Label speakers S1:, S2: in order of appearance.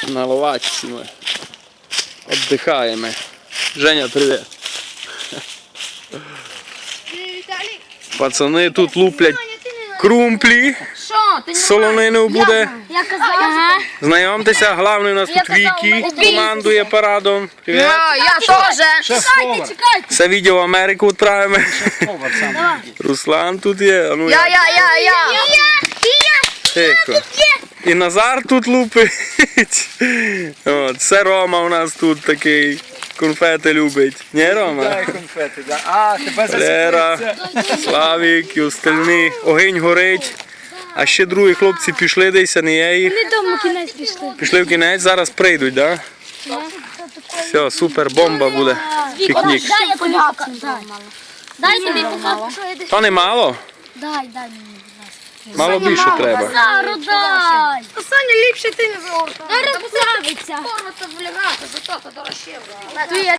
S1: На ловачці ми віддихаємо. Женя, привіт. Пацани тут луплять крумплі. Солонину буде. Знайомтеся, головний у нас тут Вікі, командує парадом. Привіт.
S2: Я теж.
S1: Це відео в Америку відправимо. Руслан тут є. Ну,
S2: Я.
S1: Тихо. І Назар тут лупить. От, це Рома у нас тут такий. Конфети любить. Не, Рома?
S3: Дай конфети, да. А, тебе
S1: Лера,
S3: засипається.
S1: Славік і остальні. Огонь горить. А ще другі хлопці пішли десь, а не я їх.
S4: Вони дома кінець пішли.
S1: Пішли в кінець, зараз прийдуть, так? Да? Все, супер, бомба буде. Пікнік.
S4: Дай я тобі покажу. Дай тобі покажу, що я десь.
S1: То не мало?
S4: Дай мені, будь ласка.
S1: Мало більше треба.
S4: Зару дай.
S2: Саня, ліпше ти не зробив.
S4: Зараз справиться.
S2: Форма це влягати, зато то дорожче.